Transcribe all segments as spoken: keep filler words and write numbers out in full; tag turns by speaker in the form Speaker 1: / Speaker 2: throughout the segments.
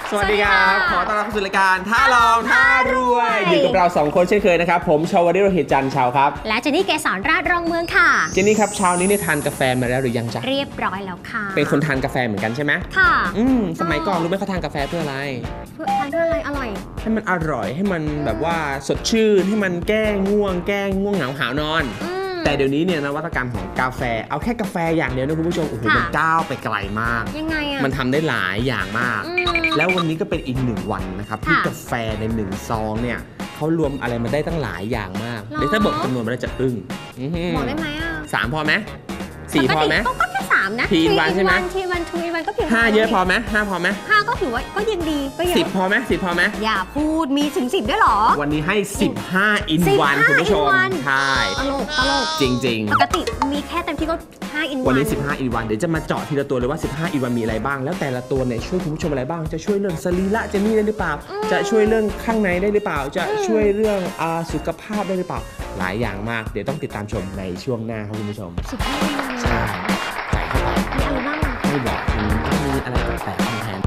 Speaker 1: สวัสดีครับขอต้อนรับเข้าสู่รายการท้าลองท้ารวยอยู่กับเราสองคนเช่นเคยนะครับผมชาวริโรหิตจันทร์ชาวครับ
Speaker 2: และเจนนี่เกษรราชรองเมืองค่ะ
Speaker 1: เจนนี่ครับเช้านี้เนี่ยทานกาแฟมาแล้วหรือยังจ๊ะ
Speaker 2: เรียบร้อยแล้วค่ะ
Speaker 1: เป็นคนทานกาแฟเหมือนกันใช่ไหม
Speaker 2: ค่ะ
Speaker 1: อืมสมัยก่อนรู้ไหมเขาทานกาแฟเพื่ออะไร
Speaker 2: เพื่อทานเพื่ออะไรอร่อย
Speaker 1: ให้มันอร่อยให้มันแบบว่าสดชื่นให้มันแก้ง่วงแก้ง่วงเหงาหาวนอนแต่เดี๋ยวนี้เนี่ยนวัตกรรมของกาแฟเอาแค่กาแฟอย่างเดียวนะคุณผู้ชมโอ้โหมันก้าวไปไกลมาก
Speaker 2: ยังไงอ่ะ
Speaker 1: มันทำได้หลายอย่างมากแล้ววันนี้ก็เป็นอีกหนึ่งวันนะครับที่กาแฟในหนึ่งซองเนี่ยเขารวมอะไรมาได้ตั้งหลายอย่างมากเดี๋ยวถ้าบอกจำนวนมันจะอึ้ง
Speaker 2: บอกได้ไหมอ่ะ
Speaker 1: สามพอไหมสี่พอไหม
Speaker 2: ก็แค่สามนะ
Speaker 1: ทีวันใช่ไหม
Speaker 2: ทีวันทูวันก็เพียง
Speaker 1: ห้าเยอะพอไหมห้าพอไหม
Speaker 2: ห้าก็ถือว่าก็ยังดีก็เยอะ
Speaker 1: สิบพอไหมสิบพอไหม
Speaker 2: อย่าพูดมีถึงสิบด้วยหรอ
Speaker 1: วันนี้ให้สิบห้าอินวันคุณผู้ชมใช่
Speaker 2: ตลกตลก
Speaker 1: จริงๆ
Speaker 2: ปกติมีแค่เต็มที่ก็ห้าอินวัน
Speaker 1: วันนี้สิบห้าอินวันเดี๋ยวจะมาเจาะทีละตัวเลยว่าสิบห้าอินวันมีอะไรบ้างแล้วแต่ละตัวเนี่ยช่วยคุณผู้ชมอะไรบ้างจะช่วยเรื่องสรีระเจนนี่ได้หรือเปล่าจะช่วยเรื่องข้างในได้หรือเปล่าจะช่วยเรื่องสุขภาพได้หรือเปล่าหลายอย่างมากเดี๋ยวต้องติดตามชมในช่วงหน้าครับคุณผู้ชม
Speaker 2: สิบห้าอินวัน
Speaker 1: ใช่ใส่เข้าไป
Speaker 2: มีอะไรบ้าง
Speaker 1: ไม่บอกมีอะไรแปลกๆแทน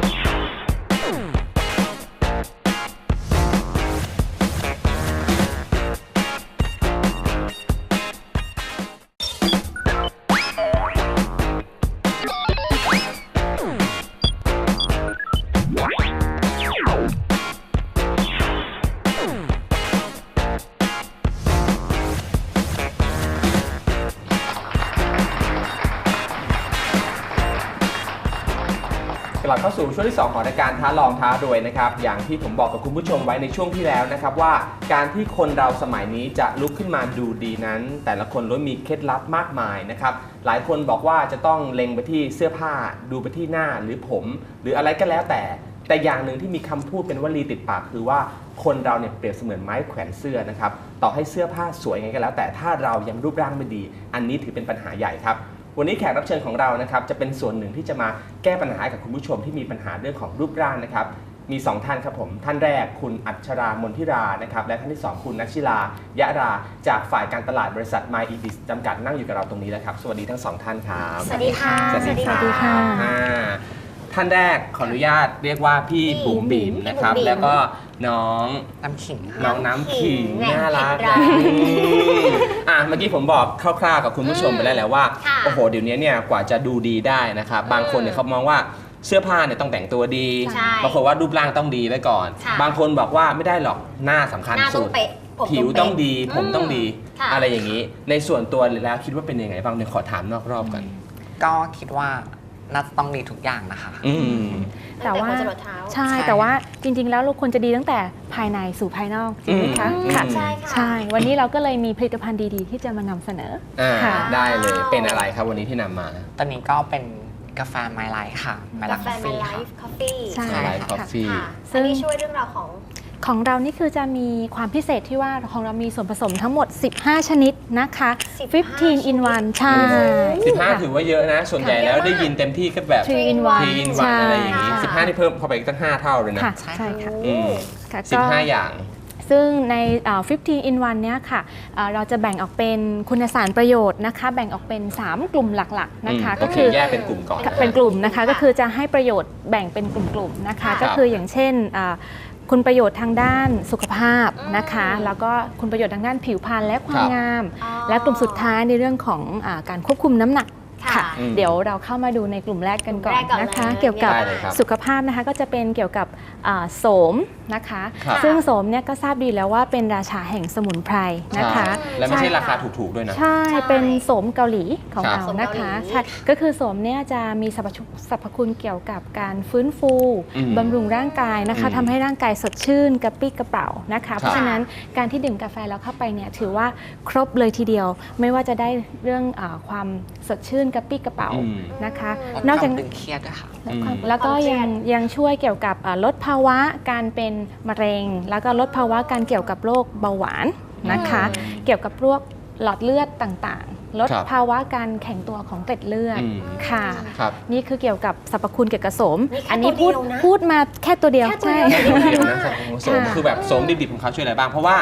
Speaker 1: กลับเข้าสู่ช่วงที่สองของรายการท้าลองท้ารวยนะครับอย่างที่ผมบอกกับคุณผู้ชมไว้ในช่วงที่แล้วนะครับว่าการที่คนเราสมัยนี้จะลุกขึ้นมาดูดีนั้นแต่ละคนล้วนมีเคล็ดลับมากมายนะครับหลายคนบอกว่าจะต้องเล็งไปที่เสื้อผ้าดูไปที่หน้าหรือผมหรืออะไรก็แล้วแต่แต่อย่างหนึ่งที่มีคำพูดเป็นวลีติดปากคือว่าคนเราเนี่ยเปรียบเสมือนไม้แขวนเสื้อนะครับต่อให้เสื้อผ้าสวยไงก็แล้วแต่ถ้าเรายังรูปร่างไม่ดีอันนี้ถือเป็นปัญหาใหญ่ครับวันนี้แขกรับเชิญของเรานะครับจะเป็นส่วนหนึ่งที่จะมาแก้ปัญหากับคุณผู้ชมที่มีปัญหาเรื่องของรูปร่างนะครับมีสองท่านครับผมท่านแรกคุณอัชรามนทิรานะครับและท่านที่สองคุณนัชชิลายะราจากฝ่ายการตลาดบริษัท My Ebis จำกัดนั่งอยู่กับเราตรงนี้แล้วครับสวัสดีทั้งสองท่านครับ
Speaker 2: สวัสดีค่ะ
Speaker 1: สวัสดีค่ะท่านแรกขออนุญาตเรียกว่าพี่บุ๋มบิ๋มนะครับแล้วก็น้อง
Speaker 3: น้ำขิง
Speaker 1: น้องน้ำขิงน่ารักอ่ะเมื่อกี้ผมบอกคร่าวๆกับคุณผู้ชมไปแล้วแหละว่าโอ้โหเดี๋ยวนี้เนี่ยกว่าจะดูดีได้นะครับบางคนเนี่ยเขามองว่าเสื้อผ้าเนี่ยต้องแต่งตัวดีบางคนว่ารูปร่างต้องดีไว้ก่อนบางคนบอกว่าไม่ได้หรอกหน้าสำคัญสุดผิวต้องดีผมต้องดีอะไรอย่างนี้ในส่วนตัวแล้วคิดว่าเป็นยังไงบ้างเนี่ยขอถามนอกรอบกัน
Speaker 3: ก็คิดว่าน่าจะต้องดีทุกอย่างนะคะ
Speaker 2: แต่ว่า
Speaker 4: ใช่แต่ว่าจริงๆแล้วเราควรจะดีตั้งแต่ภายในสู่ภายนอกจริงไหมคะ
Speaker 2: ค่ะใช่ค่ะ
Speaker 4: ใช่วันนี้เราก็เลยมีผลิตภัณฑ์ดีๆที่จะมานำเสนอ
Speaker 1: ค่ะได้เลยเป็นอะไรครับวันนี้ที่นำมา
Speaker 3: ตอนนี้ก็เป็นกาแฟไมล์ไลท์ค่ะ
Speaker 2: ไมล์ไลท์คอฟฟี่
Speaker 4: ใช่
Speaker 1: ค่ะ
Speaker 2: ซึ่งช่วยเรื่องราวของ
Speaker 4: ของเรานี่คือจะมีความพิเศษที่ว่าของเรามีส่วนผสมทั้งหมดสิบห้าชนิดนะคะสิบห้า in วันใช่
Speaker 1: สิบห้าถือว่าเยอะนะส่วนใหญ่แล้วได้ยินเต็มที่ก็แบบ
Speaker 4: three in one
Speaker 1: อะไรอย่างนี้สิบห้าที่เพิ่มเข้าไปตั้งห้าเท่าเลยนะ
Speaker 4: ใช่ค่ะ
Speaker 1: สิบห้าอย่าง
Speaker 4: ซึ่งในสิบห้า in วันเนี้ยค่ะเราจะแบ่งออกเป็นคุณสารประโยชน์นะคะแบ่งออกเป็นสามกลุ่มหลักๆนะคะ
Speaker 1: ก็คือแยกเป็นกลุ่มก่อน
Speaker 4: เป็นกลุ่มนะคะก็คือจะให้ประโยชน์แบ่งเป็นกลุ่มๆนะคะก็คืออย่างเช่นคุณประโยชน์ทางด้านสุขภาพนะคะแล้วก็คุณประโยชน์ทางด้านผิวพรรณและความงามและกลุ่มสุดท้ายในเรื่องของการควบคุมน้ำหนักค่ะเดี๋ยวเราเข้ามาดูในกลุ่มแรกกันก่อนนะคะเกี่ยวกับสุขภาพนะคะก็จะเป็นเกี่ยวกับโสมนะคะซึ่งโสมเนี่ยก็ทราบดีแล้วว่าเป็นราชาแห่งสมุนไพรนะคะ
Speaker 1: และไม่ใช่ราคาถูกๆด้วยนะ
Speaker 4: ใช่เป็นโสมเกาหลีของเรานะคะใช่ก็คือโสมเนี่ยจะมีสรรพคุณเกี่ยวกับการฟื้นฟูบำรุงร่างกายนะคะทำให้ร่างกายสดชื่นกระปี้กระเป๋านะคะเพราะฉะนั้นการที่ดื่มกาแฟแล้วเข้าไปเนี่ยถือว่าครบเลยทีเดียวไม่ว่าจะได้เรื่องความสดชื่นกระปี้กระเป๋านะคะ
Speaker 3: นอกจากตึงเครียดค่ะ
Speaker 4: แล้วก็ยังยังช่วยเกี่ยวกับลดภาวะการเป็นมะเร็งแล้วก็ลดภาวะการเกี่ยวกับโรคเบาหวานนะคะเกี่ยวกับพวกหลอดเลือดต่างๆลดภาวะการแข็งตัวของเกล็ดเลือดค่ะนี่คือเกี่ยวกับสรรพคุณเกี่ยวกับโสมอันนี้พูดพูดมาแค่ตัวเดียว
Speaker 1: ใช่โสมคือแบบโสมดิบๆของเขาช่วยอะไรบ้างเพราะว่า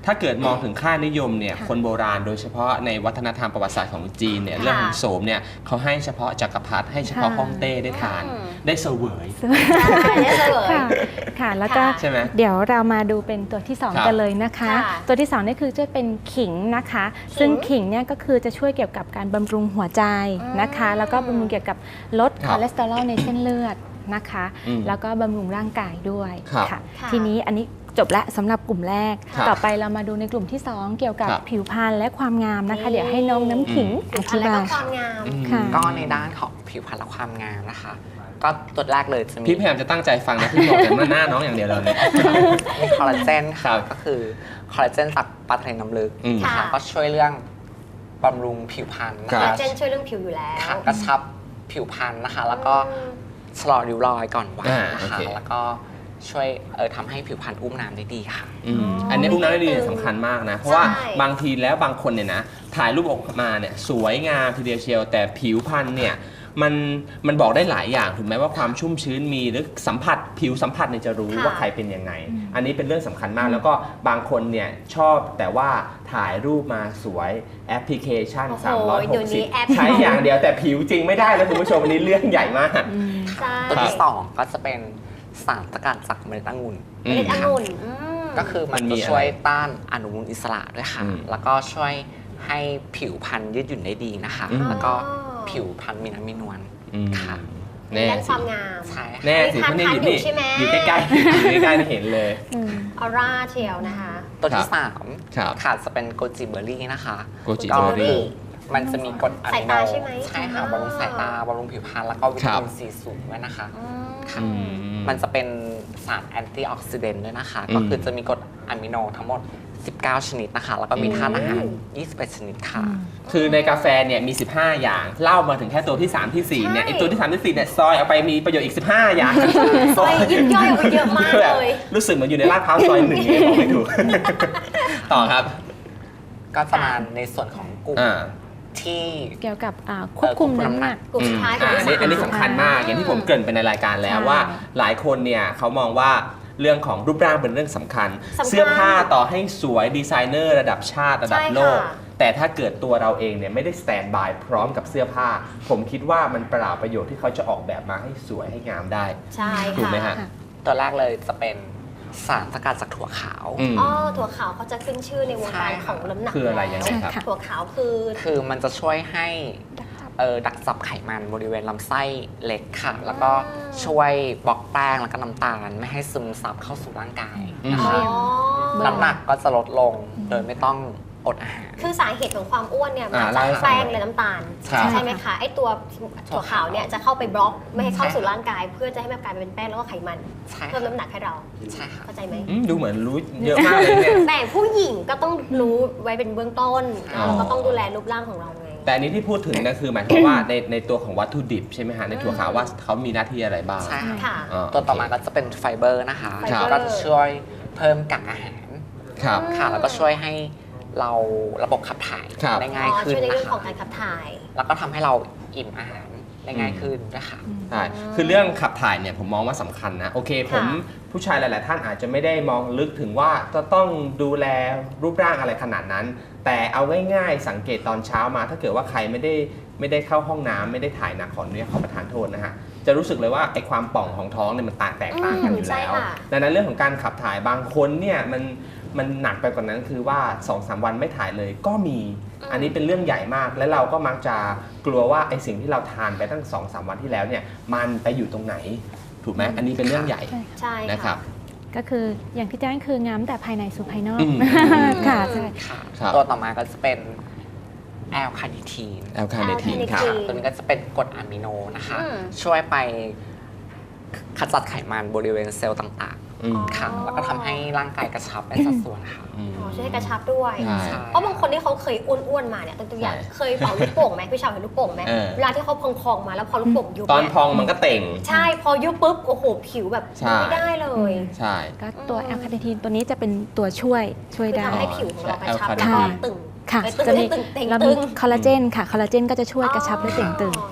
Speaker 1: ถ้าเกิดมองถึงค่านิยมเนี่ย
Speaker 4: ค่ะ
Speaker 1: คนโบราณโดยเฉพาะในวัฒนธรรมประวัติศาสตร์ของจีนเนี่ยเรื่องของโสมเนี่ยเขาให้เฉพาะจักรพรรดิให้เฉพาะ
Speaker 4: ค่ะ
Speaker 1: ฮ่องเต้ได้ทาน
Speaker 2: อืม
Speaker 1: ได้เสวย
Speaker 2: ใช่ได้เลย
Speaker 4: ค่ะค่ะแล้วก็
Speaker 2: ค่ะ
Speaker 1: ใช่ไหม
Speaker 4: เดี๋ยวเรามาดูเป็นตัวที่สอง
Speaker 1: ครับ
Speaker 4: กันเลยนะคะ
Speaker 2: ค่ะ
Speaker 4: ตัวที่สองนี่คือจะเป็นขิงนะคะ
Speaker 2: ขิง
Speaker 4: ซึ่งขิงเนี่ยก็คือจะช่วยเกี่ยวกับการบำรุงหัวใจนะคะ
Speaker 2: อืม
Speaker 4: แล้วก็บำรุงเกี่ยวกับลด
Speaker 1: ค
Speaker 4: ครับ อเลสเตอรอลในเส้นเลือดนะคะ
Speaker 1: อืม
Speaker 4: แล้วก็บำรุงร่างกายด้วย
Speaker 1: ครับ
Speaker 4: ค่ะ
Speaker 2: ค่ะ
Speaker 4: ทีนี้อันนี้จบละสำหรับกลุ่มแรก
Speaker 1: ครับ
Speaker 4: ต่อไปเรามาดูในกลุ่มที่สองเกี่ยวกับ
Speaker 1: ครับ
Speaker 4: ผิวพรรณและความงามนะคะ
Speaker 2: นี่
Speaker 4: เดี๋ยวให้น้องน้ำขิง
Speaker 1: อื
Speaker 4: อ
Speaker 2: อะ
Speaker 4: ธิ
Speaker 2: ไร
Speaker 4: บา
Speaker 2: ก็
Speaker 4: ย
Speaker 2: ความงาม
Speaker 1: อืม
Speaker 4: ค่ะ
Speaker 3: ก็ในด้านของผิวพรรณและความงามนะคะ ก็ตัวแรกเลยจะมี
Speaker 1: พี่พยายามจะตั้งใจฟังนะพี่มองแต่หน้าน้องอย่างเดียวเลยเนี่ย
Speaker 3: มีคอลลาเจน
Speaker 1: ครั
Speaker 3: ค่ะ
Speaker 1: บ
Speaker 3: ก็คือคอลลาเจนจากปลาทะเลน้ำลึก
Speaker 1: อืม
Speaker 3: นะ
Speaker 2: ค่ะ
Speaker 3: คะก็ช่วยเรื่องบำรุงผิวพรรณนะ
Speaker 1: ครั
Speaker 2: คอล
Speaker 3: คะ
Speaker 2: ลาเจนช่วยเรื่องผิวอยู่แล้ว
Speaker 3: ค่ะกระชับผิวพรรณนะคะ แล้วก็
Speaker 2: อืม
Speaker 3: ชะลอริ้วรอยก่อนวัย
Speaker 1: อ่า
Speaker 3: นะ
Speaker 1: โอ
Speaker 3: คะ
Speaker 1: เค
Speaker 3: แล้วก็ช่วยเออทำให้ผิวพรรณอุ้มน้ำได้ดีค่ะ
Speaker 1: อืมอันนี้พวกนั้นได้ดีเนี่ยสำคัญมากนะ เพราะว่า
Speaker 2: ใช่
Speaker 1: บางทีแล้วบางคนเนี่ยนะถ่ายรูปออกมาเนี่ยสวยงามทีเดียวเชียว แต่ผิวพรรณเนี่ยมันมันบอกได้หลายอย่างถูกไหมว่าความชุ่มชื้นมีหรือสัมผัสผิวสัมผัสเนี่ยจะรู้
Speaker 2: ค่ะ
Speaker 1: ว่าใครเป็นยังไง อันนี้เป็นเรื่องสำคัญมาก แล้วก็บางคนเนี่ยชอบแต่ว่าถ่ายรูปมาสวยแอปพลิเคชัน
Speaker 2: โอ้โห
Speaker 1: สามร้อยห
Speaker 2: เดี๋ย
Speaker 1: ก
Speaker 2: วนี้
Speaker 1: สิบ
Speaker 2: แอป
Speaker 1: ใช้อย่างเดียวแต่ผิวจริงไม่ได้แล้วคุณผู้ชมอันนี้เรื่องใหญ่มาก
Speaker 2: ใช่
Speaker 3: ตัวที่สองก็จะเป็นสารสกัดจากเมล็ดองุ่น
Speaker 1: อื
Speaker 2: เม
Speaker 1: ม
Speaker 2: ล็ดองุ่นอืม
Speaker 3: ก็คือมัน
Speaker 1: มันมี
Speaker 3: จะ
Speaker 1: อะไร
Speaker 3: ช่วยต้านอนุมูลอิสระด้วยค่ะ
Speaker 1: อืม
Speaker 3: แล้วก็ช่วยให้ผิวพรรณยืดหยุ่นได้ดีนะคะ
Speaker 1: อืม
Speaker 3: แล้วก็ผิวพรรณมีน้ำมีนวล
Speaker 1: อืม
Speaker 3: ค่ะ
Speaker 1: แน่
Speaker 2: ด้านค
Speaker 1: สิ
Speaker 2: วามงาม
Speaker 3: ใช่ค่ะ
Speaker 1: แน่สิเพราะเนี่ยอยู่นี่
Speaker 2: ทานๆอยู่ใช่ไหม
Speaker 1: อยู่ใกล้ๆอยู่ใกล้ๆเห็นเลย
Speaker 4: อืม
Speaker 2: ออร่าเชียวนะคะ
Speaker 3: ตัวที่
Speaker 1: ครับ
Speaker 3: สาม
Speaker 1: ครับ
Speaker 3: ค่ะจะเป็นโกจิเบอร์รี่นะคะ
Speaker 1: โกจิเบอร์รี่
Speaker 3: มันจะมีกรดอะมิโน
Speaker 2: สายตาใช่ไหม
Speaker 3: ใช่ค่ะ
Speaker 2: อ่า
Speaker 3: บำรุงสายตาบำรุงผิวพรรณแล้วก็วิ
Speaker 1: ครั
Speaker 3: ตา
Speaker 1: บ
Speaker 3: มินซีสูงด้วยนะคะ
Speaker 2: อืม
Speaker 3: ค่ะ
Speaker 1: อืม
Speaker 3: มันจะเป็นสารแอนตี้ออกซิเดนต์ด้วยนะคะ
Speaker 1: อืม
Speaker 3: ก็คือจะมีกรดอะมิโนทั้งหมด สิบเก้า ชนิดนะคะ แล้วก็มี
Speaker 1: อืม
Speaker 3: ธาตุอาหาร ยี่สิบเอ็ด ชนิดค่ะ
Speaker 1: คือในกาแฟเนี่ยมี สิบห้า อย่างเล่ามาถึงแค่ตัวที่ 3 ที่ 4 เนี่ย
Speaker 2: ใช่
Speaker 1: ไอตัวที่ 3 ที่ 4 เนี่ยซอยเอาไปมีประโยชน์อีก สิบห้า อย่าง
Speaker 2: ซอยยิบย่อยออกไปเยอะมากเลย
Speaker 1: รู้สึกเหมือนอยู่ในลาดพร้าวซอยหนึ่งเนี่ยบอกไม่ถูก ต่อครับ
Speaker 3: ก็จะมาในส่วนของกลุ่ม
Speaker 1: อ่า
Speaker 3: ที่
Speaker 4: เกี่ยวกับอ่าควบคุมน้ำหนัก
Speaker 2: กลุ่มสุดท้าย
Speaker 1: อืม
Speaker 2: กลุ่ม
Speaker 1: อ่าอันนี้
Speaker 2: ที่สาม
Speaker 1: อันนี้สำคัญมาก อย่างที่ผมเกริ่นไปในรายการแล้ว
Speaker 4: ใช่
Speaker 1: ว่าหลายคนเนี่ยเขามองว่าเรื่องของรูปร่างเป็นเรื่องสำคัญ
Speaker 2: สำคัญ
Speaker 1: เสื้อผ้าต่อให้สวยดีไซเนอร์ระดับชาติระดับ
Speaker 2: ใช่ค่ะ
Speaker 1: โลก แต่ถ้าเกิดตัวเราเองเนี่ยไม่ได้สแตนบายพร้อมกับเสื้อผ้า ผมคิดว่ามันเปล่าประโยชน์ที่เขาจะออกแบบมาให้สวยให้งามได้
Speaker 2: ใช่
Speaker 1: ถูกไหม
Speaker 2: ค่ะ
Speaker 1: ฮะ
Speaker 3: ตัวแรกเลยจะเป็นสารสกัดจากถั่วขาว
Speaker 1: อืม
Speaker 2: อ๋อถั่วขาวเขาจะขึ้นชื่อในวงการ
Speaker 3: ใช่
Speaker 2: ข
Speaker 3: ค่ะ
Speaker 2: องน้ำหนัก
Speaker 1: คืออะไรยังไงครับ
Speaker 4: ค่ะ
Speaker 2: ถั่วขาวคือ
Speaker 3: คือมันจะช่วยให้เออดักจับไขมันบริเวณลำไส้เล็กค่ะ แล้วก็ช่วยบล็อกแป้งแล้วก็น้ำตาลไม่ให้ซึมซับเข้าสู่ร่างกายนะ
Speaker 2: อ๋อ
Speaker 3: คะ น้ำหนักก็จะลดลงโดยไม่ต้องอดอาหาร
Speaker 2: คือสาเหตุของความอ้วนเนี่ยมา
Speaker 1: อ่า
Speaker 2: จาก
Speaker 1: เล่าให้ฟัง
Speaker 2: แป้งและน้ำตาล
Speaker 1: ครับ
Speaker 2: ใช่ไหมคะไอตัวถั่วขาวเนี่ยจะเข้าไปบล็อกไม่ให้เข้าสู่ร่างกาย เพื่อจะให้มันกลายเป็นแป้งแล้วก็ไขมัน
Speaker 3: ใช่ค่ะ
Speaker 2: เพิ่มน้ำหนักให้เรา
Speaker 3: ใช่ค่ะ
Speaker 2: เข้าใจไหม
Speaker 1: อืมดูเหมือนรู้เยอะมากเลยเนี่ย
Speaker 2: แต่ผู้หญิงก็ต้องรู้ไว้เป็นเบื้องต้น
Speaker 1: อ๋อ
Speaker 2: เราก็ต้องดูแลรูปร่างของเราไง
Speaker 1: แต่อันนี้ที่พูดถึงนะคือหมายความว่าในในตัวของวัตถุดิบใช่ไหมฮะในถั่วขาวว่าเขามีหน้าที่อะไรบ้าง
Speaker 3: ใช่ค่ะ
Speaker 2: ค่ะ
Speaker 1: อ๋อ
Speaker 3: ตัวต่อมาก็จะเป็นไฟเบอร์นะคะ
Speaker 2: ไฟเบอร์
Speaker 3: ก็จะช่วยเพิ่มกากอาหาร
Speaker 1: ครับ
Speaker 3: ค่ะ แล้วก็ช่วยให้เราระบบขับถ่าย
Speaker 1: ครับ
Speaker 3: ได้ง่ายขึ้น
Speaker 2: ช่วยใน
Speaker 3: นะ
Speaker 2: เรื่องของ
Speaker 3: คะ
Speaker 2: การขับถ่าย
Speaker 3: แล้วก็ทำให้เราอิ่มอาหารได้ง่ายขึ้นนะคะ
Speaker 1: ใช่คือเรื่องขับถ่ายเนี่ยผมมองว่าสำคัญนะ โอเคผม
Speaker 2: ค่ะ
Speaker 1: ผู้ชายหลาย ๆ ท่านอาจจะไม่ได้มองลึกถึงว่าจะต้องดูแลรูปร่างอะไรขนาดนั้น แต่เอาง่าย ๆ สังเกตตอนเช้ามา ถ้าเกิดว่าใครไม่ได้ไม่ได้เข้าห้องน้ำไม่ได้ถ่ายหนักขออนุญาตขอประทานโทษนะฮะ จะรู้สึกเลยว่าไอ้ความป่องของท้องเนี่ยมันต่างแตกต่างกันอยู่
Speaker 2: อืมใช่
Speaker 1: แล้ว
Speaker 2: ค่ะ
Speaker 1: ดังนั้นเรื่องของการขับถ่ายบางคนเนี่ยมันมันหนักไปกว่านั้นคือว่า สองสาม วันไม่ถ่ายเลยก็มี อันนี้เป็นเรื่องใหญ่มาก และเราก็มักจะกลัวว่าไอ้สิ่งที่เราทานไปตั้ง สองสาม วันที่แล้วเนี่ยมันไปอยู่ตรงไหนถูกไหมอันนี้เป็นเรื่องใหญ่
Speaker 4: ใช่
Speaker 2: ใช่
Speaker 1: นะครับ
Speaker 4: ก็คืออย่างที่แจ้งคืองามแต่ภายในสู่ภายนอก
Speaker 1: อืม
Speaker 4: ค่ะใช่
Speaker 3: ค่ะ
Speaker 1: ครับ
Speaker 3: ตัวต่อมาก็จะเป็นแอลคาเนทีน
Speaker 1: แอลคาเนทีนครับ
Speaker 3: ตัวนี้ก็จะเป็นกรดอะมิโนนะคะ
Speaker 2: อืม
Speaker 3: ช่วยไปขจัดไขมันบริเวณเซลล์ต่าง
Speaker 1: อืม
Speaker 3: ๆค่ะ แล้วก็ทำให้ร่างกายกระชับได้สัดส่วนค่ะ
Speaker 1: อืม
Speaker 2: อ๋อช่วยให้กระชับด้วย
Speaker 1: ใช่
Speaker 2: เพราะบางคนที่เขาเคยอ้วนๆมาเนี่ยตัวอย่าง
Speaker 1: ใช่
Speaker 2: เคยเป่าลูกโป่งไหมพี่ชาวเห็นลูกโป่งไหม
Speaker 1: เออ
Speaker 2: เวลาที่เขาพองๆมาแล้วพอลูกโป่งยุบ
Speaker 1: ตอน
Speaker 2: เนี่ย
Speaker 1: พองมันก็เต่ง
Speaker 2: ใช่พอยุบปุ๊บโอ้โหผิวแบบ
Speaker 1: ใช่
Speaker 2: ไม่ได้เลย
Speaker 1: ใช่
Speaker 4: ก็ตัว
Speaker 2: อืม
Speaker 4: แอลคาเนทีนตัวนี้จะเป็นตัวช่วยช่วย
Speaker 2: คือ
Speaker 4: ได้
Speaker 2: ทำให้ผิวของเรากระชับ
Speaker 1: ใช่
Speaker 2: แล้วก็ตึง
Speaker 4: ค่ะ
Speaker 2: เอ้ยตึง
Speaker 4: จะมี
Speaker 2: ตึงเต่ง
Speaker 4: เรา
Speaker 2: ตึ
Speaker 4: มี
Speaker 2: ง
Speaker 4: คอลลาเจนค่ะคอลลาเจนก็จะช่วยกระชับและเต่งตึง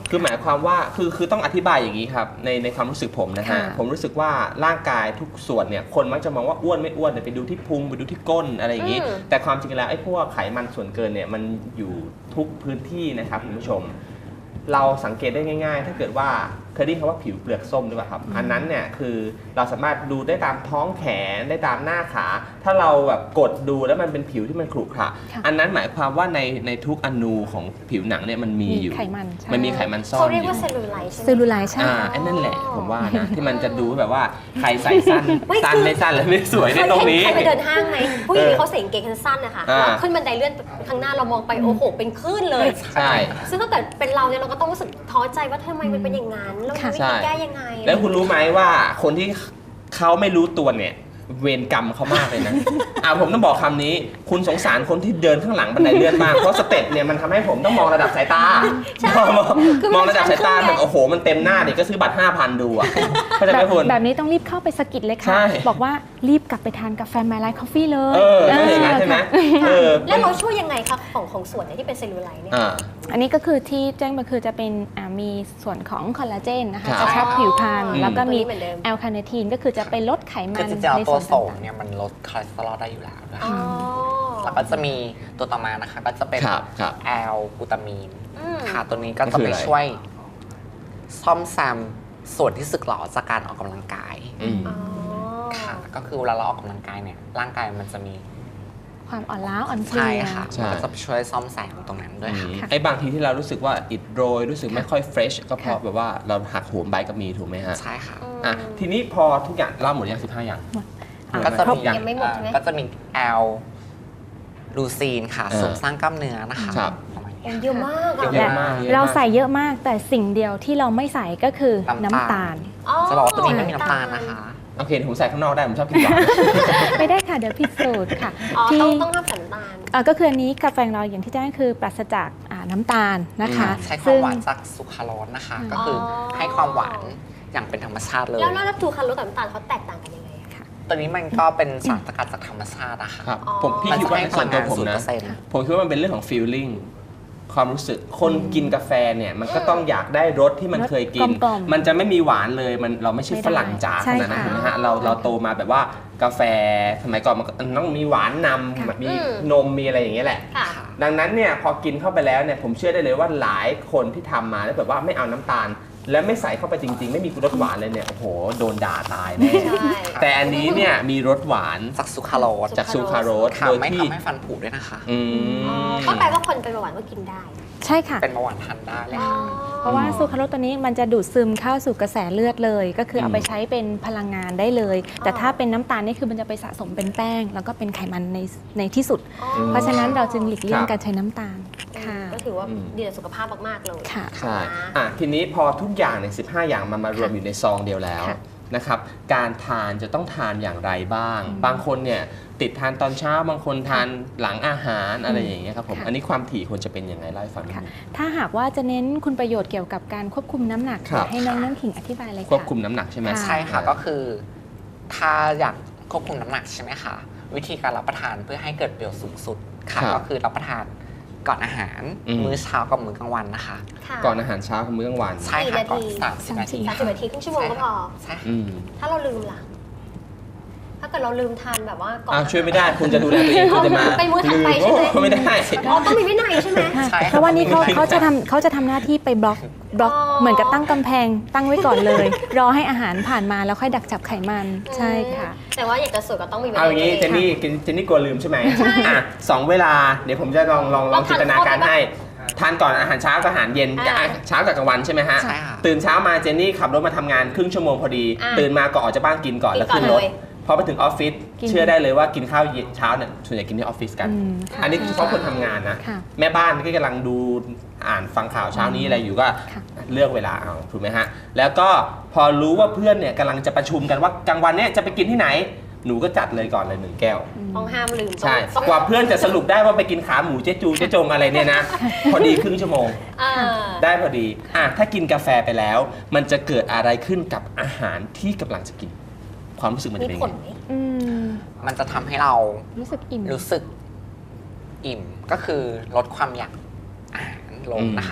Speaker 1: คือหมายความว่าคือคือต้องอธิบายอย่างนี้ครับในในความรู้สึกผมนะฮะ
Speaker 4: ค่ะ
Speaker 1: ผมรู้สึกว่าร่างกายทุกส่วนเนี่ยคนมักจะมองว่าอ้วนไม่อ้วนเนี่ยไปดูที่พุงไปดูที่ก้นอะไรอย่างนี้
Speaker 2: อืม
Speaker 1: แต่ความจริงแล้วไอ้พวกไขมันส่วนเกินเนี่ยมันอยู่ทุกพื้นที่นะครับคุณผู้ชม เราสังเกตได้ง่ายๆ ถ้าเกิดว่าเคยได้ยินคำว่าผิวเปลือกส้มหรือเปล่าครับอันนั้นเนี่ยคือเราสามารถดูได้ตามท้องแขนได้ตามหน้าขา ถ้าเราแบบกดดูแล้วมันเป็นผิวที่มันขรุขระ
Speaker 4: ค่ะ
Speaker 1: อันนั้นหมายความว่าในในทุกอนูของผิวหนังเนี่ยมันมีอยู่
Speaker 4: ไขมันใช่
Speaker 1: มันมีไขมันซ่อ
Speaker 2: เขา
Speaker 1: นอ
Speaker 2: เรียก
Speaker 1: ยู่
Speaker 2: ว่าเซลลูไลท์ใช่ไหม
Speaker 4: เซลลูไลท์ใช่
Speaker 1: อ่า
Speaker 4: ค่ะ
Speaker 1: ไอ้นั่นแหละผมว่านะ ที่มันจะดูแบบว่าใครใส่สั้น
Speaker 2: ไม่
Speaker 1: สั้น
Speaker 2: คือ
Speaker 1: ไม่สั้นแล้วไม่สวยใน
Speaker 2: เคย
Speaker 1: ตรง
Speaker 2: เห็น
Speaker 1: นี้
Speaker 2: ใครไปเดินห้างไหมผู้หญิงที่เขาใส่กางเกงขาสั้นนะคะ
Speaker 1: อ่า
Speaker 2: แล้วขึ้นบันไดเลื่อนข้างหน้าเรามองไปโอ้โหเป็นคลื่นเลย
Speaker 1: ใช่
Speaker 2: ซึ่งถ้าเกิดเป็นเราเนี่ยเราก็ต้องรู้สึกท้อใจว่าทำไมมันเป็นอย่างนั้นเรามีวิ
Speaker 1: ใช่
Speaker 2: ธีแก้ยังไง
Speaker 1: แล้วคุณรู้ไหมว่าคนที่เขาไม่รู้ตัวเนี่ยเวรกรรมเขามากเลยนะ อ่าผมต้องบอกคำนี้ คุณสงสารคนที่เดินข้างหลังบันไดเลื่อนมาก เพราะสเต็ปเนี่ยมันทำให้ผมต้องมองระดับสายตา
Speaker 2: ใช่
Speaker 1: มอง
Speaker 2: คือมัน
Speaker 1: มองระดับสายตา
Speaker 2: ชันขึ้นไง
Speaker 1: แบบโอ้โหมันเต็มหน้าเนี่ยก็ซื้อบัตรห้าพันดูอ่ะเข้าใจไหมคุณ
Speaker 4: แบบนี้ต้องรีบเข้าไปสะกิดเลย
Speaker 1: ใช่
Speaker 4: ค่ะ บอกว่ารีบกลับไปทานกาแฟไมล์ไลท์คอฟฟี่เลย
Speaker 1: เออต้องอย่างนั้นใช่ไหมเออ
Speaker 2: แล้วเราช่วยยังไงคะของของส่วนเนี่ยที่เป็นเซลลูไลท์เนี่ย
Speaker 1: อ่า
Speaker 4: อันนี้ก็คือที่แจ้งมาคือจะเป็นอ่ามีส่วนของคอลลาเจนนะคะ
Speaker 1: ครับ
Speaker 4: กระชับผิวพรรณ
Speaker 1: อืม
Speaker 4: แล้วก็มี
Speaker 2: ตัวนี้เหมือนเดิม
Speaker 4: แอลคาเนทีนก็คือจะไปลดไขมั
Speaker 3: คือน จริงๆแล้ว
Speaker 4: ใน
Speaker 3: ตั
Speaker 4: ส่
Speaker 3: ว
Speaker 4: วน
Speaker 3: โส
Speaker 4: ต่าม ง
Speaker 3: เนี่ยมันลดคอเลสเตอรอลได้อยู่แล้วด้วย
Speaker 2: อ๋อ
Speaker 3: แล้วก็จะมีตัวต่อมานะคะก็จะเป็น
Speaker 1: ครับครับ
Speaker 3: แอลกลูตามีน
Speaker 2: อืม
Speaker 3: ค่ะตัวนี้ก็
Speaker 1: มัน
Speaker 3: จะ
Speaker 1: คือ
Speaker 3: ไป
Speaker 1: อะไร
Speaker 3: ช่วยซ่อมแซมส่วนที่สึกหรอจากการออกกำลังกาย
Speaker 1: อืม
Speaker 2: อ๋อ
Speaker 3: ค่ะก็คือเวลาเราออกกำลังกายเนี่ยร่างกายมันจะมี
Speaker 4: ความอ่อนล้าอ่อนเพลี
Speaker 3: ใช่
Speaker 4: ย
Speaker 3: ค่ะ
Speaker 1: ใช่
Speaker 3: มันก็จะช่วยซ่อมแซมตรงนั้นด้วยค่ะ
Speaker 1: ไอ้บางทีที่เรารู้สึกว่าอิดโรยรู้สึกไม่ค่อยเฟรชก็เพราะแบบว่าเราหักโหมใบก็มีถูกไหมฮะ
Speaker 3: ใช่ค่ะ
Speaker 1: อ่ะทีนี้พอทุกอย่างเล่าหมดยังสิบห้าอย่าง
Speaker 4: อ่ะ
Speaker 3: ก็จะ
Speaker 1: ครบ
Speaker 3: มี
Speaker 1: ยัง
Speaker 2: ยังไม่หมดใช่ไหม
Speaker 3: ก็จะมีแอลลูซีนค่ะ
Speaker 1: เออ
Speaker 3: เสริมสร้างกล้ามเนื้อนะคะ
Speaker 1: ครับ
Speaker 3: ประมาณนี้
Speaker 2: โอ้เยอะมากอะ
Speaker 1: เยอะมาก
Speaker 4: เราใส่เยอะมากแต่สิ่งเดียวที่เราไม่ใส่ก็คือน้ำตาล
Speaker 3: จะบอกว่าตัวนี้ไม่มีน้ำตาลนะคะ
Speaker 1: โอเคผมใส่ข้างนอกได้ผมชอบกินหวาน
Speaker 4: ไม่ได้ค่ะเดี๋ยวผิดสูตรค่ะ
Speaker 2: อ๋อ
Speaker 4: ที่
Speaker 2: ต้องต้องห้ามใส่น้ำตาล
Speaker 4: อ่าก็คืออันนี้กาแฟของเราอย่างที่แจ้งคือปราศจากอ่าน้ำตาลนะคะ
Speaker 3: ใช้ความ
Speaker 4: ซึ่ง
Speaker 3: หวานจากสุคราโรสนะคะ
Speaker 4: อืม
Speaker 3: ก็คือให้ความหวานอย่างเป็นธรรมชาติเลย
Speaker 2: แล้วแล้วแล้วทูคาร์โรสกับน้ำตาลเขาแตกต่างกันยังไงอะคะ
Speaker 3: ตัวนี้มันก็เป็นสารสกัดจากธรรมชาตินะคะ
Speaker 1: ครับ
Speaker 2: อ๋อ
Speaker 1: ผมพี่
Speaker 3: มัน
Speaker 1: คิด
Speaker 3: จะ
Speaker 1: ว่า
Speaker 3: ให้
Speaker 1: ใน
Speaker 3: พ
Speaker 1: ส่
Speaker 3: ลั
Speaker 1: วน
Speaker 3: ง
Speaker 1: ตัว
Speaker 3: งาน
Speaker 1: ผม
Speaker 3: ศูนย์
Speaker 1: นะ
Speaker 3: เปอร์เซ็นต์
Speaker 1: ผมคิดว่ามันเป็นเรื่องของ feeling ความรู้สึกคนกินกาแฟเนี่ยมันก็ต้องอยากได้รสที่มันเคยกิน
Speaker 4: กลมๆ
Speaker 1: มันจะไม่มีหวานเลยมันเราไม่ใช่
Speaker 4: ไม่ได้
Speaker 1: ฝรั่งจ๋าข
Speaker 4: ใช่
Speaker 1: นาดนั้น
Speaker 4: ค่ะ
Speaker 1: ถูกไหมฮะเราเราโตมาแบบว่ากาแฟสมัยก่อนมันต้องมีหวานนำแบบมี
Speaker 2: อืม
Speaker 1: นมมีอะไรอย่างเงี้ยแหละ
Speaker 2: ค่ะ
Speaker 1: ดังนั้นเนี่ยพอกินเข้าไปแล้วเนี่ยผมเชื่อได้เลยว่าหลายคนที่ทำมาแล้วแบบว่าไม่เอาน้ำตาล และไม่ใส่เข้าไปจริง ๆ ไม่มีรสหวานเลยเนี่ยโอ้โหโดนด่าตายแน่
Speaker 2: ใช่
Speaker 1: แต่อันนี้เนี่ยมีรสหวาน
Speaker 3: จากสุคราโรส
Speaker 1: จากซูคราโรส
Speaker 3: ค่ะ
Speaker 1: โดย
Speaker 3: ไม่
Speaker 1: ที่
Speaker 3: ทำให้ฟันผุด้วยนะคะ
Speaker 1: อื
Speaker 2: อ๋อ
Speaker 1: ม
Speaker 2: ก็แปลว่าคนเป็นเบาหวานก็กินได้
Speaker 4: ใช่ค่ะ
Speaker 3: เป็นเบาหวานทานได้เลย
Speaker 2: อ๋อ
Speaker 3: ค่ะ
Speaker 4: เพราะว่าซูคราโรสตัวนี้มันจะดูดซึมเข้าสู่กระแสเลือดเลย ก็คือเอา
Speaker 1: อืม
Speaker 4: ไปใช้เป็นพลังงานได้เลย แต่ถ้าเป็นน้ำตาลนี่คือมันจะไปสะสมเป็นแป้ง แล้วก็เป็นไขมันในในที่สุด
Speaker 2: อ๋อ
Speaker 4: เพราะฉะนั้นเราจึงหลีกเลี่ยง
Speaker 1: ครับ
Speaker 4: การใช้น้ำตาลค่ะ
Speaker 2: ก็ถือว่า
Speaker 1: อืม
Speaker 2: ดีต่อสุขภาพมากๆเลย
Speaker 4: ค่ะ
Speaker 1: ใช่อ่ะทีนี้พอทุกอย่างในสิบห้าอย่างมันมารวมอยู่ในซองเดียวแล้ว
Speaker 4: ค่ะ
Speaker 1: นะครับการทานจะต้องทานอย่างไรบ้าง บางคนเนี่ยติดทานตอนเช้าบางคนทานหลังอาหารอะไรอย่างเงี้ยครับผม
Speaker 4: ค่ะ
Speaker 1: อันนี้ความถี่ควรจะเป็นยังไงเล่าให้ฟังนิด
Speaker 4: ค่ะ
Speaker 1: นึง
Speaker 4: ถ้าหากว่าจะเน้นคุณประโยชน์เกี่ยวกับการควบคุมน้ำหนัก
Speaker 1: ครับ
Speaker 4: ให้น้องน้ำขิงอธิบายเลยค่ะ
Speaker 1: ควบคุมน้ำหนักใช่ไหม
Speaker 4: ค่ะ
Speaker 3: ใช่ค่ะก็คือถ้าอยากควบคุมน้ำหนักใช่ไหมคะวิธีการรับประทานเพื่อให้เกิดประโยชน์สูงสุดค่ะ
Speaker 1: ครับ
Speaker 3: ก็คือรับประทานก่อนอาหาร
Speaker 1: อืม
Speaker 3: มื้อเช้ากับมื้อกลางวันนะคะ
Speaker 2: ค่ะ
Speaker 1: ก่อนอาหารเช้ากับมื้อกลางวัน
Speaker 3: ใช่ค่ะ
Speaker 2: กี่นาที
Speaker 3: ก่อนสามสิบนาที
Speaker 2: สามสิบนาทีครึ่งชั่วโมงก็พอ
Speaker 3: ใช่ค่ะ
Speaker 1: อืม
Speaker 2: ถ้าเราลืมล่ะ ถ้าเกิดเราลืมทานแบบว่าก่อน
Speaker 1: อ้าวช่วยไม่ได้คุณจะดูแลตัวเองคุณจะมา
Speaker 2: ไปมื้อถัดไปใช่ไหม
Speaker 1: โอ้ไม่ได้
Speaker 2: อ๋อต้องมีวินัยใช่ไหม
Speaker 3: ใช่ค่ะ
Speaker 4: เพราะว่านี่เขาเขาจะทำเขาจะทำหน้าที่ไปบล็อกบล็อก
Speaker 2: อ๋อ
Speaker 4: เหมือนกับตั้งกำแพงตั้งไว้ก่อนเลย รอให้อาหารผ่านมาแล้วค่อยดักจับไขมันใช่ค่ะ
Speaker 2: แต่ว่าอยากจะสวยก็ต้องมีวินัย
Speaker 1: เอาอย่างนี้เจนนี่เจนนี่กลัวลืมใช่ไหมอ่ะสองเวลาเดี๋ยวผมจะลองลองลองจินตนาการให้ทานก่อนอาหารเช้ากับอาหารเย็นกับเช้ากับกลางวันใช่ไหมฮะ
Speaker 3: ใช่ค่ะ
Speaker 1: ตื่นเช้ามาเจนนี่ขับรถมาทำงานครึ่งชั่วโมงพอดี
Speaker 2: อ่ะ
Speaker 1: ตื่นมาก่อนออกจากบ้านกินก่อน
Speaker 2: กิน
Speaker 1: แล้ว
Speaker 2: ก่อน
Speaker 1: ขึ้นรถ
Speaker 2: เลย
Speaker 1: พอไปถึงออฟฟิศ
Speaker 4: กิน
Speaker 1: เชื่อได้เลยว่ากินข้าวเย็นเช้าเนี่ยส่วนใหญ่กินที่ออฟฟิศกัน
Speaker 4: อืมค่ะ
Speaker 1: อันนี้เฉพาะคนทำงานนะ
Speaker 4: ค่ะ
Speaker 1: แม่บ้านที่กำลังดูอ่านฟังข่าวเช้านี้อะไรอยู่ก็
Speaker 4: ค่ะ
Speaker 1: เลือกเวลาเอาถูกไหมฮะแล้วก็พอรู้ว่าเพื่อนเนี่ยกำลังจะประชุมกันว่ากลางวันเนี่ยจะไปกินที่ไหน หนูก็จัดเลยก่อนเลยหนึ่งแก้ว
Speaker 2: ต้องห้ามลืม
Speaker 1: ใช่
Speaker 2: ต้อง
Speaker 1: กว่าเพื่อนจะสรุปได้ว่าไปกินขาหมูเจ๊จูเจ๊จงอะไรเนี่ยนะ พอดีครึ่งชั่วโมง
Speaker 2: อ่า
Speaker 1: ได้พอดีอ่ะถ้ากินกาแฟไปแล้ว มันจะเกิดอะไรขึ้นกับอาหารที่กำลังจะกิน ความรู้สึกมัน
Speaker 2: มี
Speaker 1: จะเป็น
Speaker 2: ผ
Speaker 1: ยัง
Speaker 2: ล
Speaker 1: ไง
Speaker 2: ไหม
Speaker 4: อืม
Speaker 3: มันจะทำให้เรา
Speaker 4: รู้สึกอิ่ม
Speaker 3: รู้สึกอิ่มก็คือลดความอยากอาหารลงนะคะ ผ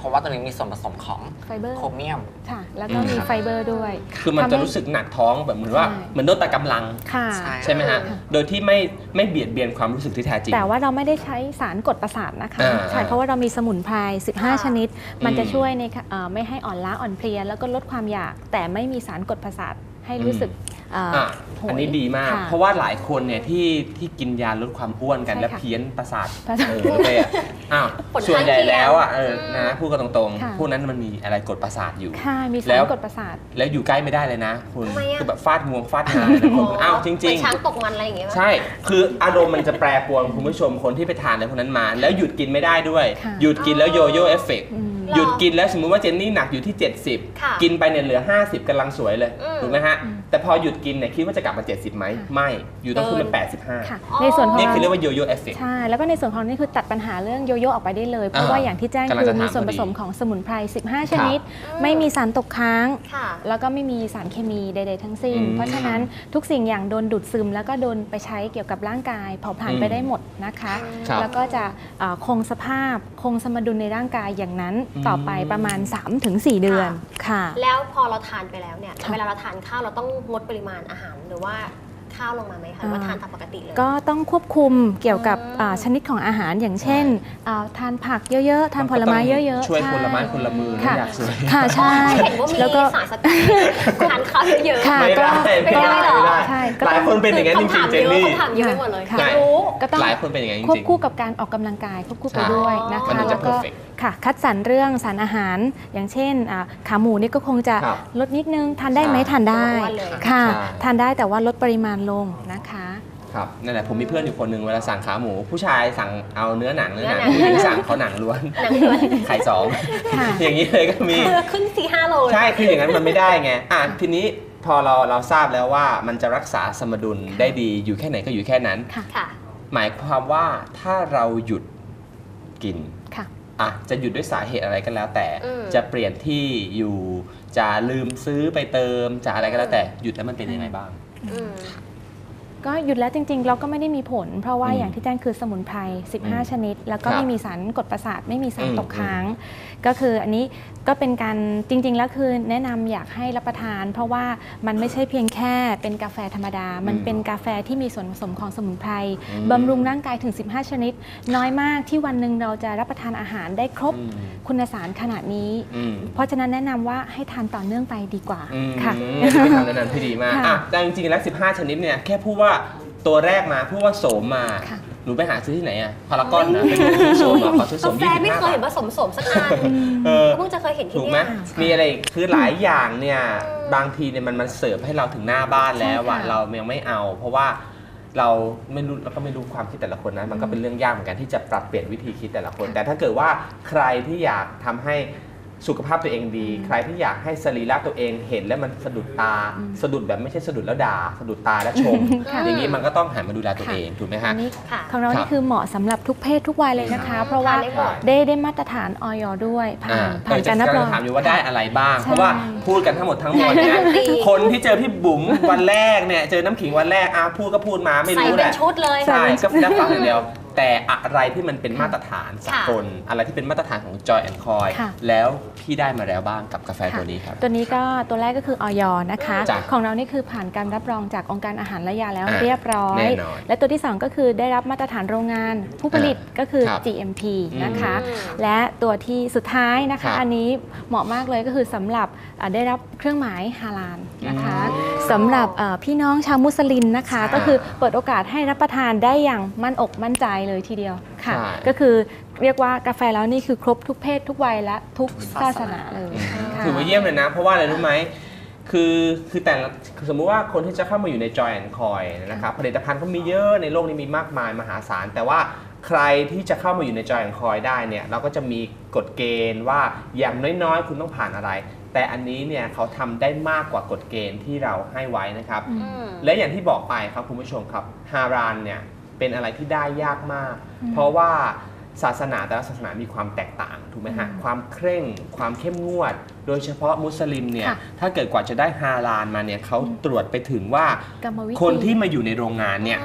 Speaker 3: ราะว่าตัวนี้มีส่วนผสมของ
Speaker 4: ไฟเบอร์
Speaker 3: โครเมียม
Speaker 4: ค่ะ แล้วก็
Speaker 1: อืม
Speaker 4: มีไฟเบอร์ด้วย
Speaker 1: คือมัน
Speaker 4: ทำให้
Speaker 1: จะรู้สึกหนักท้องแบบเหมือนว่า
Speaker 4: ใช่
Speaker 1: เหมือนโดนตัดกำลัง
Speaker 4: ค่ะ
Speaker 3: ใช่
Speaker 1: ใช่ไหมฮะ โดยที่ไม่ไม่เบียดเบียนความรู้สึกที่แท้จริง
Speaker 4: แต่ว่าเราไม่ได้ใช้สารกดประสาทนะคะ
Speaker 1: อ่า
Speaker 4: ใช่ เพราะว่าเรามีสมุนไพร สิบห้า
Speaker 2: ค่ะ
Speaker 4: ชนิด มันจะ
Speaker 1: อืม
Speaker 4: ช่วยในเอ่อไม่ให้อ่อนล้าอ่อนเพลีย แล้วก็ลดความอยาก แต่ไม่มีสารกดประสาทให้รู้สึกเอ่อ
Speaker 1: อ่ะ
Speaker 4: โหย
Speaker 1: อันนี้ดีมาก
Speaker 4: ค่ะ
Speaker 1: เพราะว่าหลายคนเนี่ยที่ที่กินยาลดความอ้วนกัน
Speaker 4: ใช่
Speaker 1: แล้ว
Speaker 4: ค่ะ
Speaker 1: เพี้ยนประสาท
Speaker 4: ประสาท
Speaker 1: เออไปอ่ะอ้าว
Speaker 2: ผลข้าง
Speaker 1: ส่วนใหญ่
Speaker 2: เคียง
Speaker 1: แล้วอ่ะเออ
Speaker 2: อืม
Speaker 1: นะพูดกันตรง
Speaker 4: ค่ะ
Speaker 1: ๆพวกนั้นมันมีอะไรกดประสาทอยู่
Speaker 4: ค่ะ มี
Speaker 1: แล้
Speaker 4: สาร
Speaker 1: ว
Speaker 4: กดประสาท
Speaker 1: แล้วอยู่ใกล้ไม่ได้เลยนะ คุณ
Speaker 2: ทำไมอะ
Speaker 1: คือแบบฟาดงวงฟาดงานเลยนะคุณอ้าวจ
Speaker 2: เห
Speaker 1: ริ
Speaker 2: มื
Speaker 1: ง
Speaker 2: อนช้างตกมันอะไรอย่างเงี้ย
Speaker 1: ๆ ใช่ คืออารมณ์มันจะแปรปรวนคุณผู้ชมคนที่ไปทานอะไรพวกนั้นมา แล้วหยุดกินไม่ได้ด้วย
Speaker 4: ค่ะ
Speaker 1: หยุดกินแล้วโยโย่เอฟเฟกต์
Speaker 4: อืม
Speaker 1: หยุดกินแล้วสมมุติว่าเจนนี่หนักอยู่ที่ เจ็ดสิบ
Speaker 2: ค่ะ
Speaker 1: กินไปเนี่ยเหลือ ห้าสิบกำลังสวยเลย
Speaker 2: อืม
Speaker 1: ถูกไหมฮะ แต่พอหยุดกินเนี่ยคิดว่าจะกลับมา เจ็ดสิบไหม
Speaker 4: ค่ะ
Speaker 1: ไม่ อยู่ต้องขึ้นเป็น
Speaker 2: เกิน
Speaker 1: แปดสิบห้า
Speaker 4: ค่ะ
Speaker 2: อ๋อ
Speaker 4: ในส่วนของ
Speaker 1: นี่คือเรียกว่าโยโย่เอฟเฟกต์
Speaker 4: ใช่ แล้วก็ในส่วนของนี่คือตัดปัญหาเรื่องโยโย่ออกไปได้เลย เพราะว่าอย่างที่แจ้ง
Speaker 1: กำลัง
Speaker 4: คื
Speaker 1: จะ
Speaker 4: อ
Speaker 1: ถาม
Speaker 4: มีส่วน
Speaker 1: พ
Speaker 4: ผ
Speaker 1: อดี
Speaker 4: สมของสมุนไพร สิบห้า
Speaker 1: ครับ
Speaker 4: ชนิด ไม่มีสารตกค้าง
Speaker 2: ค่ะ
Speaker 4: แล้วก็ไม่มีสารเคมีใด ๆ ทั้งสิ้น
Speaker 1: อืม
Speaker 4: เพราะฉะนั้นทุกสิ่งอย่างโดนดูดซึม แล้วก็โดนไปใช้เกี่ยวกับร่างกายเผาผลาญ
Speaker 1: อืม
Speaker 4: ไปได้หมดนะคะ
Speaker 1: ครับ
Speaker 4: แล้วก็จะเอ่อคงสภาพคงสมดุลในร่างกายอย่างนั้น
Speaker 1: อืม
Speaker 4: ต่อไปประมาณ สามถึงสี่ เดือนค่ะ
Speaker 2: แล้วพอเราทานไปแล้วเนี่ย
Speaker 4: ค่ะ
Speaker 2: เวลาเราทานข้าวเราต้องงดปริมาณอาหารหรือว่าข้าวลงมาไหมคะหรือว่า
Speaker 4: อ่า
Speaker 2: ทานตามปกติเลย
Speaker 4: ก็ต้องควบคุมเกี่ยวกับ
Speaker 2: อืม
Speaker 4: อ่าชนิดของอาหารอย่างเช่นอ่าทานผักเยอะๆ ทานผลไม้เยอะๆ
Speaker 1: ช่วย
Speaker 4: ใ
Speaker 1: คนละไม้คนละมือนะ
Speaker 4: ค่ะ
Speaker 1: อยากสวย
Speaker 4: ค่ะใช่
Speaker 2: เห็นว่ามี
Speaker 4: แล้วก็
Speaker 2: สารสกัดทานข้าวเยอะๆ
Speaker 4: ค่ะ
Speaker 1: ไม่ได้
Speaker 2: ไม่ได้หรอ
Speaker 1: ไม่ได้
Speaker 4: ใช่ก็
Speaker 1: ห
Speaker 4: ต้
Speaker 1: ลา
Speaker 4: อย ง
Speaker 1: คนเป็นอย่างนั้นจริงๆเจนนี่
Speaker 2: คำถามเยอะไปหมดเลย
Speaker 4: ค่ะ
Speaker 2: อยากรู้
Speaker 4: ก็ต้อง
Speaker 1: หลายคนเป็นอย่างนั้นจ
Speaker 4: ควบ
Speaker 1: ริง
Speaker 4: คู่กับการออกกำลังกายควบคู่ไป
Speaker 1: ใช่
Speaker 4: ด้วยนะ
Speaker 1: มัน
Speaker 4: คะ
Speaker 1: ถึงจะ
Speaker 4: แล้วก็
Speaker 1: perfect
Speaker 4: ค่ะคัดสรรเรื่องสารอาหาร อย่างเช่นอ่าขาหมูนี่ก็คงจะ
Speaker 1: ครับ
Speaker 4: ลดนิดนึงทานได้ไหม
Speaker 1: ใช่
Speaker 4: ทานได้
Speaker 2: อ้วนเลย
Speaker 4: ค่ะ
Speaker 1: ใช่
Speaker 4: ทานได้แต่ว่าลดปริมาณลงนะคะ
Speaker 1: ครับนั่นแหละผมมีเพื่อนอยู่คนหนึ่งเวลาสั่งขาหมู ผู้ชายสั่งเอาเนื้อหนังเนื้อหนัง
Speaker 2: เนื้อหนัง
Speaker 1: ผู้หญิงสั่งเขาหนังล้วน
Speaker 2: หนังล้วน
Speaker 1: ไข่สอง
Speaker 4: ค่ะ
Speaker 1: อย่างนี้เลยก็มี
Speaker 2: คือขึ้นสี่ห้าโลเลย
Speaker 1: ใช่คืออย่างนั้นมันไม่ได้ไงอ่ะทีนี้พอเราเราทราบแล้วว่ามันจะรักษาสมดุลได้ดีอยู่แค่ไหนก็อยู่แค่นั้น
Speaker 4: ค่ะ
Speaker 2: ค่ะ
Speaker 1: หมายความว่าถ้าเราหยุดกิน
Speaker 4: ค่ะ
Speaker 1: อ่ะจะหยุดด้วยสาเหตุอะไรก็แล้วแต่
Speaker 2: อืม
Speaker 1: จะเปลี่ยนที่อยู่จะลืมซื้อไปเติมจะอะไรก็แล้วแต่หยุดแล้วมันเป็นยังไงบ้าง
Speaker 2: อืม
Speaker 4: ก็หยุดแล้วจริงๆ เราก็ไม่ได้มีผล เพราะว่า
Speaker 1: อืม
Speaker 4: อย่างที่แจ้งคือสมุนไพร สิบห้า
Speaker 1: อืม
Speaker 4: ชนิด แล้วก็
Speaker 1: ครับ
Speaker 4: ไม่มีสารกดประสาท ไม่มีสาร
Speaker 1: อืม
Speaker 4: ตกค้าง ก็คืออันนี้ก็เป็นการจริงๆ แล้วคือแนะนำอยากให้รับประทาน เพราะว่ามันไม่ใช่เพียงแค่เป็นกาแฟธรรมดา มันเป็นกาแฟที่มีส่วนผสมของสมุนไพร
Speaker 1: อืม
Speaker 4: บำรุงร่างกายถึง สิบห้า ชนิด น้อยมากที่วันหนึ่งเราจะรับประทานอาหารได้ครบ
Speaker 1: อืม
Speaker 4: คุณสารขนาดนี้
Speaker 1: อืม
Speaker 4: เพราะฉะนั้นแนะนำว่าให้ทานต่อเนื่องไปดีกว่า
Speaker 1: อืม
Speaker 4: ค่ะ
Speaker 1: เป็นคำแนะนำที่ดีมาก
Speaker 4: ค่ะ
Speaker 1: อ่ะแต่จริงๆแล้วสิบห้าชนิดเนี่ยแค่พูดว่าตัวแรกมาพูดว่าโสมมา
Speaker 4: ค่ะ
Speaker 1: หนูไปหาซื้อที่ไหนอ่ะพารากอนนะไปดูซื้อโสมมาขอซื้อโส
Speaker 2: กาม แฟ
Speaker 1: ยี่สิบ
Speaker 2: ไม่
Speaker 1: ห้า
Speaker 2: เคยเห็นผ
Speaker 1: บาท
Speaker 2: สมสมสักอัน
Speaker 1: เออ
Speaker 2: เพิ่งจะเคยเห็นที่
Speaker 1: ถูกไหม
Speaker 2: เนี่ย
Speaker 1: มีอะไรอีกคือหลายอย่างเนี่ย
Speaker 2: อืม
Speaker 1: บางทีเนี่ยมันมันเสิร์ฟให้เราถึงหน้าบ้านแล้วอะ
Speaker 4: ใช่ค่ะ
Speaker 1: เรายังไม่เอา เพราะว่าเราไม่รู้เราก็ไม่รู้ความคิดแต่ละคนนะมันก็เป็นเรื่องยากเหมือนกันที่จะปรับเปลี่ยนวิธีคิดแต่ละคน แต่ถ้าเกิดว่าใครที่อยากทำให้สุขภาพตัวเองดี ใครที่อยากให้สรีระตัวเองเห็นแล้วมันสะดุดตา สะดุดแบบไม่ใช่สะดุดแล้วด่าสะดุดตาแล้วชม
Speaker 4: ค่ะ
Speaker 1: อย่างนี้มันก็ต้องหันมาดูแลตัวเองถูกไหมฮะ
Speaker 4: อันนี้
Speaker 2: ค่ะ
Speaker 4: ของเรา
Speaker 1: ครับ
Speaker 4: นี่คือเหมาะสำหรับทุกเพศทุกวัยเลยนะคะ เพราะว่า
Speaker 2: ทานได้หมด
Speaker 4: ได้ได้มาตรฐานออยด้วยผ่าน
Speaker 1: อ่า
Speaker 4: ผ่าน
Speaker 1: เออ
Speaker 4: การรับรอง
Speaker 1: จะถามอยู่ว่าได้อะไรบ้าง
Speaker 4: ใช่
Speaker 1: เพราะว่าพูดกันทั้งหมดทั้งมวลเนี่ย
Speaker 2: ดี
Speaker 1: คนที่เจอพี่บุ๋มวันแรกเนี่ยเจอน้ำขิงวันแรกอ่ะพูดก็พูดมาไม่
Speaker 2: ใส่
Speaker 1: รู้แห
Speaker 2: เป็น
Speaker 1: ละ
Speaker 2: ชุดเลย
Speaker 1: ใช่ก็ได้ฟังอย่างเดียว แต่อะไรที่มันเป็นมาตรฐานสากลอะไรที่เป็นมาตรฐานของ Joy and Coy
Speaker 4: ค่ะ
Speaker 1: แล้วพี่ได้มาแล้วบ้างกับกาแฟตัวนี้ครับ
Speaker 4: ตัวนี้ก็ตัวแรกก็คือออยนะคะ
Speaker 1: จ้ะ
Speaker 4: ของเรานี่คือผ่านการรับรองจากองค์การอาหารและยาแล้ว
Speaker 1: อ่ะ
Speaker 4: เรียบร้อย
Speaker 1: แน่นอน
Speaker 4: และตัวที่สองก็คือได้รับมาตรฐานโรงงาน ผู้ผลิตก็คือ
Speaker 1: ครับ
Speaker 4: จี เอ็ม พี
Speaker 1: อืม
Speaker 4: นะคะ
Speaker 2: อืม
Speaker 4: และตัวที่สุดท้ายนะ
Speaker 1: ครั
Speaker 4: คะ
Speaker 1: บ
Speaker 4: อันนี้เหมาะมากเลยก็คือสำหรับอ่ะได้รับเครื่องหมายฮาลาลนะคะ
Speaker 1: อืม
Speaker 4: สำหรับเอ่อพี่น้องชาวมุสลิมนะคะ
Speaker 1: ใช่
Speaker 4: ก็คือเปิดโอกาสให้รับประทานได้อย่างมั่นอกมั่นใจเลยทีเดียวค่ะ
Speaker 1: ใช่
Speaker 4: ก็คือเรียกว่ากาแฟแล้วนี่คือครบทุกเพศทุกวัยและทุกศาสนาเลยค่ะ
Speaker 1: ถือว่าเยี่ยมเลยนะ เพราะว่าอะไรรู้ไหมคือคือแต่ละคือสมมุติว่าคนที่จะเข้ามาอยู่ใน Joy and Coy นะครับผลิตภัณฑ์ก็มีเยอะในโลกนี้มีมากมายมหาศาล แต่ว่าใครที่จะเข้ามาอยู่ใน Joy and Coy ได้เนี่ยเราก็จะมีกฎเกณฑ์ว่าอย่างน้อยๆ คุณต้องผ่านอะไร แต่อันนี้เนี่ยเขาทำได้มากกว่ากฎเกณฑ์ที่เราให้ไว้นะครับ
Speaker 2: อืม
Speaker 1: และอย่างที่บอกไปครับคุณผู้ชมครับฮารานเนี่ยเป็นอะไรที่ได้ยากมาก
Speaker 4: อืม
Speaker 1: เพราะว่าศาสนาแต่ละศาสนามีความแตกต่างถูกไหมฮะ
Speaker 4: อืม
Speaker 1: ความเคร่งความเข้มงวด โดยเฉพาะมุสลิมเนี่ย
Speaker 4: ค่ะ
Speaker 1: ถ้าเกิดกว่าจะได้ฮาลาลมาเนี่ยเขาตรวจไปถึงว่าก
Speaker 4: รรมวิธี
Speaker 1: คนที่มาอยู่ในโรงงานเนี่ย
Speaker 2: อืม
Speaker 1: ท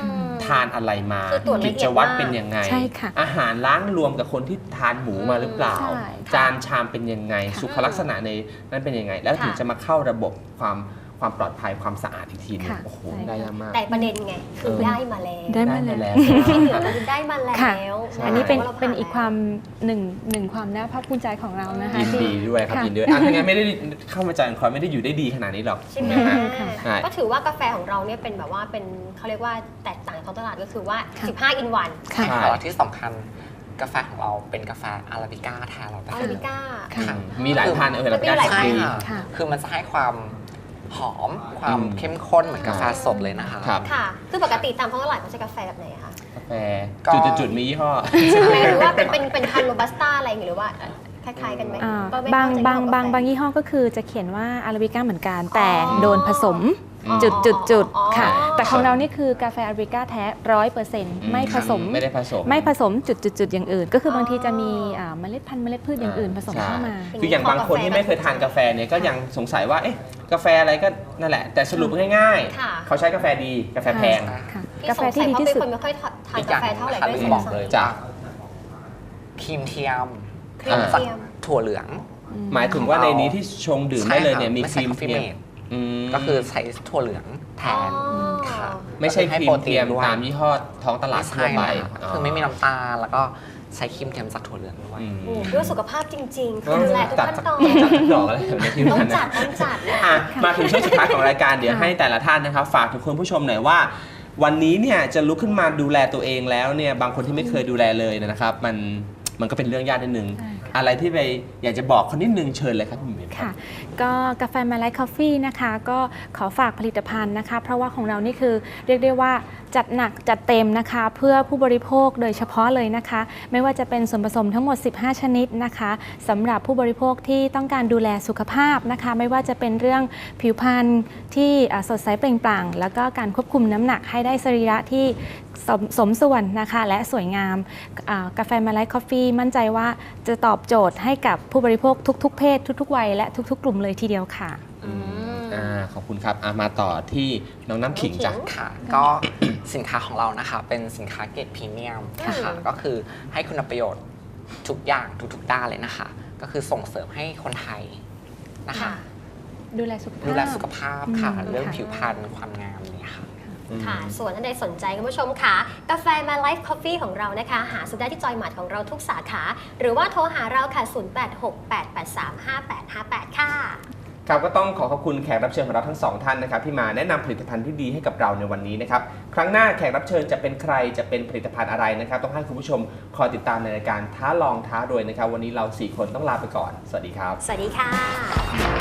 Speaker 1: านอะไรมา
Speaker 2: คือตรวจละ
Speaker 1: กิ
Speaker 2: เอี
Speaker 1: จ
Speaker 2: ยด
Speaker 1: วัตร
Speaker 2: มาก
Speaker 1: เป็นยังไง
Speaker 4: ใช่ค่ะ
Speaker 1: อาหารล้างรวมกับคนที่ทานหมูมาหรือเปล่า
Speaker 4: ใช่ค่ะ
Speaker 1: จานชามเป็นยังไง สุขลักษณะในนั้นเป็นยังไง แล้วถึง
Speaker 2: ค่ะ
Speaker 1: จะมาเข้าระบบความความปลอดภัยความสะอาดอีกทีหนึง
Speaker 4: ค่ะ
Speaker 1: โอ้โห
Speaker 4: ใช่ค่ะ
Speaker 1: ได้ยากมาก
Speaker 2: แต่ประเด็นไงคือ
Speaker 1: เออ
Speaker 2: ได้มาแล้ว
Speaker 4: ได้มา
Speaker 1: ได้
Speaker 4: แล้ว
Speaker 2: ที่เหลือคือได้มาแล้
Speaker 4: ค่ะ
Speaker 2: ว
Speaker 1: ใช่
Speaker 4: อันนี้เป็น
Speaker 2: ว่ารา
Speaker 4: เป็นอีกความ
Speaker 2: ผ่
Speaker 4: หนึ่งหนึ่งความน่าภาคภูมิใจของเรานะคะ
Speaker 1: ยิน
Speaker 4: ที่
Speaker 1: ดีด้วยครับ
Speaker 4: ค่ะ
Speaker 1: ยินดีด้วยอ่ะถ้างั้นไม่ได้เข้ามาจานคอยไม่ได้อยู่ได้ดีขนาดนี้หรอก
Speaker 2: ใช่ไหม
Speaker 1: นะฮะ
Speaker 4: ค่ะ
Speaker 1: ใช่
Speaker 2: ก็ถือว่ากาแฟของเราเนี่ยเป็นแบบว่าเป็นเขาเรียกว่าแตกต่างจากท้องตลาดก็คือว่า
Speaker 4: ค่ะ
Speaker 2: สิบห้า อินวัน
Speaker 4: ค่ะ
Speaker 1: ใช่
Speaker 3: แต่ว่าที่สำคัญกาแฟของเราเป็นกาแฟอาราบิก้าแท้เราได้
Speaker 2: อาราบิก้า
Speaker 4: ค่ะ
Speaker 3: ค่ะ
Speaker 1: มีหลายพันธุ์เออ
Speaker 2: มันมีหลาย
Speaker 3: ใช่
Speaker 1: ดี
Speaker 3: ค่ะ
Speaker 4: ค่ะ
Speaker 3: คือมันจะให้ความหอมความ
Speaker 1: อืม
Speaker 3: เข้มข้นเหมือนกาแฟสดเลยนะคะ
Speaker 1: ครับ
Speaker 2: ค่ะ คือปกติตามท้องตลาดเขาใช้กาแฟแบบไหนอะคะ
Speaker 1: กาแฟ
Speaker 3: ก็
Speaker 1: จุดๆๆมียี่ห้อ
Speaker 2: หมายถึงว่าเป็นเป็นเป็นพันโรบัสต้าอะไรอย่างเงี้ยหรือว่าคล้ายๆกันไหม
Speaker 4: อ่า
Speaker 2: ก็ไม่
Speaker 4: บาง
Speaker 2: เข้ใจ
Speaker 4: บาง
Speaker 2: เรื่อง
Speaker 4: บาง
Speaker 2: กาแฟ
Speaker 4: บางยี่ห้อก็คือจะเขียนว่าอาราบิก้าเหมือนกัน แต่
Speaker 2: อ๋อ
Speaker 4: โดนผสม
Speaker 1: อ๋อ
Speaker 4: จุดจุดจุด
Speaker 2: อ๋อ
Speaker 4: ค่ะ
Speaker 2: อ๋อ
Speaker 4: แต่ของเรานี่คือกาแฟอาราบิก้าแท้ร้อยเปอร์เซ็นต์ไม่ผสม
Speaker 1: ไม่ได้ผสม
Speaker 4: ไม่ผสมจุดจุดจุดอย่างอื่น ก็คืออ
Speaker 2: อบ
Speaker 4: างทีจะมีอ่าเมล็ดพันธุ์เมล็ดพืชอย่างอื่นผสม
Speaker 1: ใช่
Speaker 4: เข้ามา
Speaker 1: คืออย่างบางคนที่ไม่เคยทานกาแฟเนี่ยก็ยังสงสัยว่าเอ๊ะกาแฟอะไรก็นั่นแหละ แต่สรุปง่าย
Speaker 2: ค่ะ
Speaker 1: ๆ เขาใช้กาแฟดีกาแฟแพง
Speaker 4: ค่ะ
Speaker 2: พี่
Speaker 4: กา
Speaker 2: ส
Speaker 4: แฟ
Speaker 2: งสั
Speaker 4: ที่
Speaker 2: ย
Speaker 4: ดี
Speaker 2: เพราะ
Speaker 4: ที่
Speaker 2: เป็น
Speaker 4: สุด
Speaker 2: คนไม่ค่อยทาน
Speaker 3: อีกอก
Speaker 2: า
Speaker 3: ย่าง
Speaker 2: แฟเท่าไหร่
Speaker 3: นะคะ
Speaker 2: ด้วย
Speaker 3: ลืม
Speaker 2: ซ้ำ
Speaker 3: บอกเลย
Speaker 1: จ้ะ
Speaker 3: ว่าครีมเทียม
Speaker 2: ครีม
Speaker 3: จาก
Speaker 2: เทียม
Speaker 3: ถั่วเหลือง
Speaker 1: หมายถึงว่าในนี้ที่ชงดื่มได้เลยเนี่ยมี
Speaker 3: ไม่
Speaker 1: ค
Speaker 3: ใช่
Speaker 1: รีม
Speaker 3: coffee
Speaker 1: เทียม
Speaker 3: mate
Speaker 1: อืม
Speaker 3: ก็คือใช้ถั่วเหลืองแทน
Speaker 2: อ๋อ
Speaker 3: ค่ะ
Speaker 1: ไม่ใช่ครีมเทียม
Speaker 3: ด้วย
Speaker 1: ตามยี่ห้อท้องตลาด
Speaker 3: ไม่
Speaker 1: ทั่ว
Speaker 3: ใช่
Speaker 1: ไป
Speaker 3: นะคะคือไม่มีน้ำตาลแล้วก็ใช้ครีมเทียมจากถั่วเหลืองด้วย
Speaker 1: อืม
Speaker 2: โอ้โหเพื่อสุขภาพจริง ๆ คือ
Speaker 1: ต้อง
Speaker 2: ดูแลทุก
Speaker 1: จัด
Speaker 2: ขั้น
Speaker 1: สัก
Speaker 2: ตอน
Speaker 1: จัดสักดอกอะไรแบบนี้ที่
Speaker 2: ต้อง
Speaker 1: นั่น
Speaker 2: จั
Speaker 1: นะ
Speaker 2: ดต้องจัดนะ
Speaker 1: อ่ะมาถึงช่วงสุดท้ายของรายการเดี๋ยวให้แต่ละท่านนะครับฝากถึงคุณผู้ชมหน่อยว่า วันนี้เนี่ยจะลุกขึ้นมาดูแลตัวเองแล้วเนี่ยบางคนที่ไม่เคยดูแลเลยนะครับ มันมันก็เป็นเรื่องยากนิดนึง
Speaker 4: ใช่ค่ะ
Speaker 1: อะไรที่ไปอยากจะบอกคนนิดนึงเชิญเลยครับคุณหมิว
Speaker 4: ค่ะ ก็กาแฟมาไลท์คอฟฟี่นะคะ ก็ขอฝากผลิตภัณฑ์นะคะ เพราะว่าของเรานี่คือเรียกได้ว่าจัดหนักจัดเต็มนะคะ เพื่อผู้บริโภคโดยเฉพาะเลยนะคะ ไม่ว่าจะเป็นส่วนผสมทั้งหมด สิบห้า ชนิดนะคะสำหรับผู้บริโภคที่ต้องการดูแลสุขภาพนะคะ ไม่ว่าจะเป็นเรื่องผิวพรรณที่อ่าสดใสเปล่งปลั่ง แล้วก็การควบคุมน้ำหนักให้ได้สรีระที่สมสมส่วนนะคะและสวยงามอ่ากาแฟมาไลท์คอฟฟี่มั่นใจว่าจะตอบโจทย์ให้กับผู้บริโภคทุกๆ เพศทุกๆวัยและทุกๆ กลุ่มเลยทีเดียวค่ะ
Speaker 1: อืมอ่าขอบคุณครับอ่ะมาต่อที่น้องน้ำขิงจ้ะ
Speaker 3: ค่ะ ก็สินค้าของเรานะคะ เป็นสินค้าเกรดพรีเมียมนะคะก็คือให้คุณประโยชน์ทุกอย่างทุกๆด้านเลยนะคะ ก็คือส่งเสริมให้คนไทยนะคะ
Speaker 2: ค่ะ
Speaker 4: ดูแลสุขภาพ
Speaker 3: ดูแลสุขภาพค่ะ
Speaker 4: อืม
Speaker 3: เรื่อง
Speaker 4: ค่ะ
Speaker 3: ผิวพรรณความงามเนี่ยค่ะ
Speaker 2: ค่ะ ส่วนท่านใดสนใจคุณผู้ชมค่ะ กาแฟมาไลฟ์คอฟฟี่ของเรานะคะ หาซื้อได้ที่จอยหมาร์ทของเราทุกสาขา หรือว่าโทรหาเราค่ะ ศูนย์ แปด หก แปด แปด สาม ห้า แปด ห้า แปด ค่ะ
Speaker 1: ครับก็ต้องขอขอบคุณแขกรับเชิญของเราทั้งสองท่านนะครับที่มาแนะนำผลิตภัณฑ์ที่ดีให้กับเราในวันนี้นะครับครั้งหน้าแขกรับเชิญจะเป็นใครจะเป็นผลิตภัณฑ์อะไรนะครับ ต้องให้คุณผู้ชมคอยติดตามในรายการท้าลองท้ารวยนะครับ วันนี้เราสี่คนต้องลาไปก่อนสวัสดีครับ
Speaker 2: สวัสดีค่ะ